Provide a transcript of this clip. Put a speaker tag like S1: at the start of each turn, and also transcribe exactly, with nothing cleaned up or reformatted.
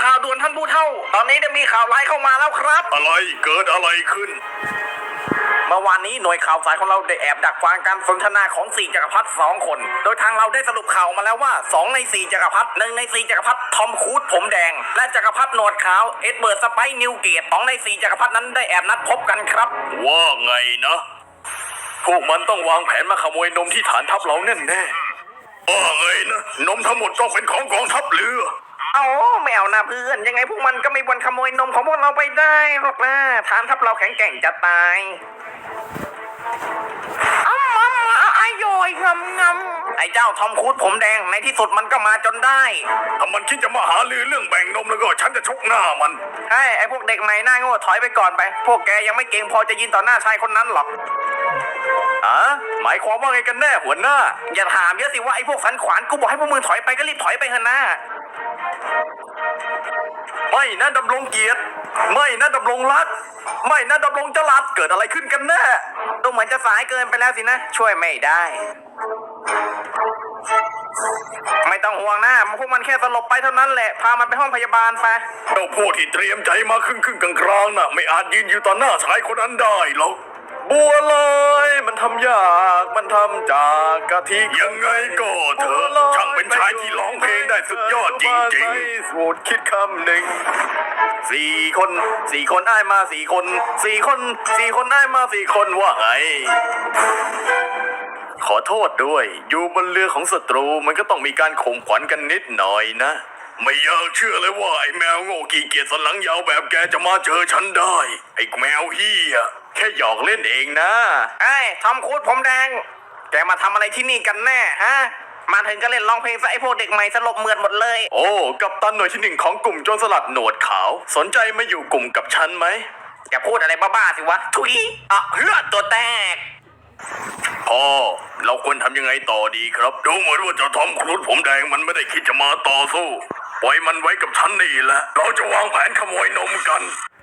S1: ข่าวด่วนท่านผู้เฒ่าตอนนี้ได้มีข่าวร้ายเข้ามาแล้วครับ
S2: อะไรเกิดอะไรขึ้น
S1: เมื่อวานนี้หน่วยข่าวสายของเราได้แอบดักฟังการสนทนาของสี่จักรพรรดิสองคน โดยทางเราได้สรุปข่าวมาแล้วว่าสองในสี่จักรพรรดิหนึ่งในสี่จักรพรรดิทอมครูซผมแดงและจักรพรรดิหนวดขาวเอ็ดเบิร์ดสไปซ์นิวเกตสองในสี่จักรพรรดินั้นได้แอบนัดพบกันครับ
S2: ว่าไงนะพวกมันต้องวางแผนมาขโมยนมที่ฐานทัพเราแน่แน่ว่าไงนะนมทั้งหมดต้องเป็นของกองทัพเรือ
S1: เอาไม่เอานะเพื่อนยังไงพวกมันก็ไม่บนขโมยนมของพวกเราไปได้หรอกนะฐานทัพเราแข็งแกร่งจะตายอ้ำอ้ำอร่อยงำงำไอ้เจ้าทอมครูซผมแดงในที่สุดมันก็มาจนได้
S2: ถ้ามันคิดจะมาหาลือเรื่องแบ่งนมแล้วก็ฉันจะชกหน้ามัน
S1: ไอ้ไอ้พวกเด็กใหม่หน้าโง่ถอยไปก่อนไปพวกแกยังไม่เก่งพอจะยืนต่อหน้าชายคนนั้นหรอก
S2: อะหมายความว่าไงกันแน่หัวหน้า
S1: อย่าถามเยอะสิว่าไอ้พวกสันขวานกูบอกให้พวกมึงถอยไปก็รีบถอยไปเถอะนะ
S2: ไม่นะดำรงเกียรติไม่นะดำรงรักไม่นะดำรงจรัสเกิดอะไรขึ้นกันแน่
S1: ดูเหมือนจะสายเกินไปแล้วสินะช่วยไม่ได้ไม่ต้องห่วงนะพวกมันแค่สลบไปเท่านั้นแหละพามันไปห้องพยาบาลไป
S2: เจ้าพวกที่เตรียมใจมาครึ่งครึ่งกลางกลางน่ะไม่อาจยืนอยู่ต่อหน้าชายคนนั้นได้หรอกบัวลอยมันทำยากมันทำจากกะทิยังไงก็เถอะช่างเป็นชายที่ร้องเพลงได้สุดยอดจริงๆสูตรคิดคำหนึ่งสี่คนสี่คนอ้ายมาสี่คนสี่คนสี่คนอ้ายมาสี่คนว่าไงขอโทษด้วยอยู่บนเรือของศัตรูมันก็ต้องมีการข่มขวัญกันนิดหน่อยนะไม่อยากเชื่อเลยว่าไอ้แมวโง่ขี้เกียจสันหลังยาวแบบแกจะมาเจอฉันได้ไอ้แมวเฮียแค่หยอกเล่นเองนะ
S1: ไอ้ทอมครูซผมแดงแกมาทำอะไรที่นี่กันแน่ฮะมาถึงก็เล่นร้องเพลงซะไอ้พวกเด็กใหม่สลบเหมือดหมดเลย
S2: โอ้กัปตันหน่วยที่หนึ่งของกลุ่มโจรสลัดหนวดขาวสนใจมาอยู่กลุ่มกับฉันไหม
S1: อย่าพูดอะไรบ้าๆสิวะทุยอ่ะเฮือตัวแตก
S2: พ่อเราควรทำยังไงต่อดีครับดูเหมือนว่าเจ้าทอมครูซผมแดงมันไม่ได้คิดจะมาต่อสู้ปล่อยมันไว้กับฉันนี่แหละเราจะวางแผนขโมยนมกัน